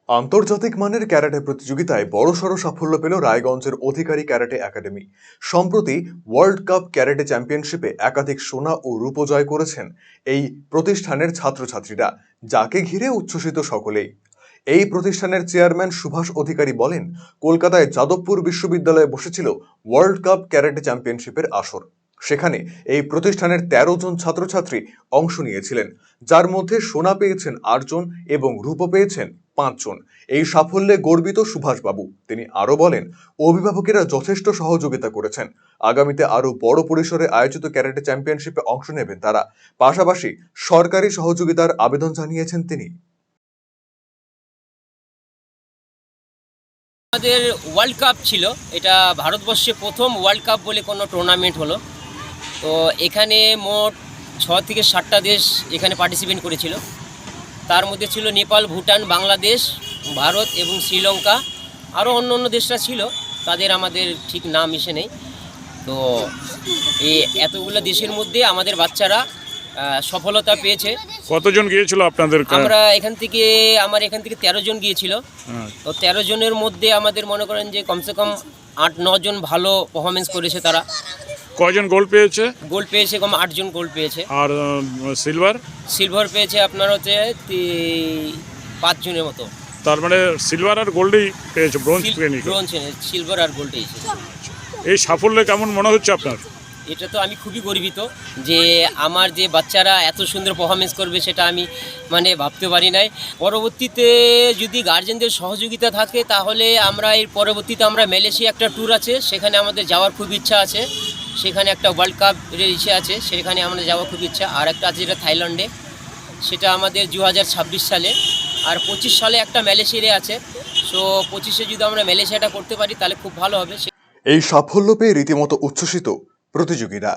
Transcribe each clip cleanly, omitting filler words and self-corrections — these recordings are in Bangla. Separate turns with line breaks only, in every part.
আন্তর্জাতিক মানের ক্যারাটে প্রতিযোগিতায় বড়সড় সাফল্য পেল রায়গঞ্জের অধিকারী ক্যারাটে একাডেমি। সম্প্রতি ওয়ার্ল্ড কাপ ক্যারাটে চ্যাম্পিয়নশিপে একাধিক সোনা ও রূপো জয় করেছেন এই প্রতিষ্ঠানের ছাত্রছাত্রীরা, যাকে ঘিরে উচ্ছ্বসিত সকলেই। এই প্রতিষ্ঠানের চেয়ারম্যান সুভাষ অধিকারী বলেন, কলকাতায় যাদবপুর বিশ্ববিদ্যালয়ে বসেছিল ওয়ার্ল্ড কাপ ক্যারাটে চ্যাম্পিয়নশিপের আসর। সেখানে এই প্রতিষ্ঠানের ১৩ জন ছাত্রছাত্রী অংশ নিয়েছিলেন, যার মধ্যে সোনা পেয়েছেন ৮ জন এবং রূপো পেয়েছেন ৫ জন। এই সাফল্যে গর্বিত সুভাষবাবু। তিনি আরো বলেন, অভিভাবকেরা যথেষ্ট সহযোগিতা করেছেন। আগামীতে আরো বড় পরিসরে আয়োজিত ক্যারাটে চ্যাম্পিয়নশিপে অংশ নেবেন তারা। পাশাপাশি সরকারি সহযোগিতার আবেদন জানিয়েছেন তিনি।
আমাদের ওয়ার্ল্ড কাপ ছিল, এটা ভারতবর্ষে প্রথম ওয়ার্ল্ড কাপ বলে কোনো টুর্নামেন্ট হলো। তো এখানে মোট ৬ থেকে ৭টা দেশ এখানে পার্টিসিপেট করেছিল। তার মধ্যে ছিল নেপাল, ভুটান, বাংলাদেশ, ভারত এবং শ্রীলঙ্কা। আরও অন্য অন্য দেশরা ছিল, তাদের আমাদের ঠিক নাম এসে নেই। তো এই এতগুলো দেশের মধ্যে আমাদের বাচ্চারা সফলতা পেয়েছে।
কতজন গিয়েছিল আপনাদের?
আমার এখান থেকে ১৩ জন গিয়েছিল। তো ১৩ জনের মধ্যে আমাদের মনে করেন যে কমসে কম ৮-৯ জন ভালো পারফরমেন্স করেছে। তারা
কয়জন গোল্ড পেয়েছে?
গোল্ড পেয়েছে কম ৮ জন গোল্ড পেয়েছে।
আর
সিলভার পেয়েছে আপনার হচ্ছে ৫ জনের মতো।
তার মানে সিলভার আর গোল্ডই পেয়েছে, ব্রোঞ্জ পেয়নি।
সিলভার আর গোল্ড পেয়েছে।
এই সাফল্যে কেমন মনে হচ্ছে আপনার?
এটা তো আমি খুবই গর্বিত যে আমার যে বাচ্চারা এত সুন্দর পারফরমেন্স করবে, সেটা আমি ভাবতে পারি নাই। পরবর্তীতে যদি গার্জেনদের সহযোগিতা থাকে তাহলে আমরা মালয়েশিয়া একটা ট্যুর আছে, সেখানে আমাদের যাওয়ার খুব ইচ্ছা আছে। সেখানে একটা ওয়ার্ল্ড কাপের ইচ্ছে আছে, সেখানে আমাদের যাওয়ার খুব ইচ্ছা। আর একটা আছে যেটা থাইল্যান্ডে, সেটা আমাদের ২০২৬ সালে। আর ২৫ সালে একটা মালয়েশিয়ারে আছে। সো ২৫-এ যদি আমরা মালয়েশিয়াটা করতে পারি তাহলে খুব ভালো হবে।
এই সাফল্য পেয়ে রীতিমতো উচ্ছ্বসিত প্রতিযোগীরা।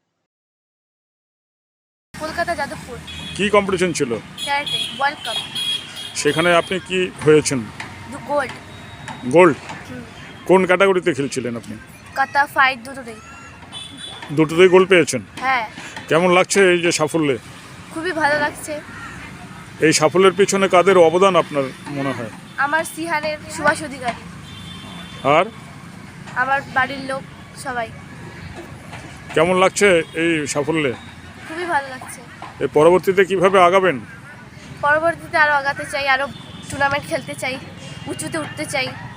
কলকাতা যাদবপুর
কি কম্পিটিশন ছিল?
Karate world cup.
সেখানে আপনি কি হয়েছেন?
গোল্ড।
গোল্ড? কোন ক্যাটাগরিতে খেলছিলেন আপনি?
কাতা ফাইট
দুটোতেই গোল্ড পেয়েছেন?
হ্যাঁ।
কেমন লাগছে এই যে সাফল্যে?
খুবই ভালো লাগছে।
এই সাফল্যের পিছনে কাদের অবদান আপনার মনে হয়?
আমার সিহানের সুভাষ অধিকারী,
আর
আমার বাড়ির লোক সবাই।
কেমন লাগছে এই সাফল্যে?
খুবই ভালো লাগছে।
এর পরবর্তীতে কিভাবে আগাবেন?
পরবর্তীতে আরও আগাতে চাই, আরও টুর্নামেন্ট খেলতে চাই, উঁচুতে উঠতে চাই।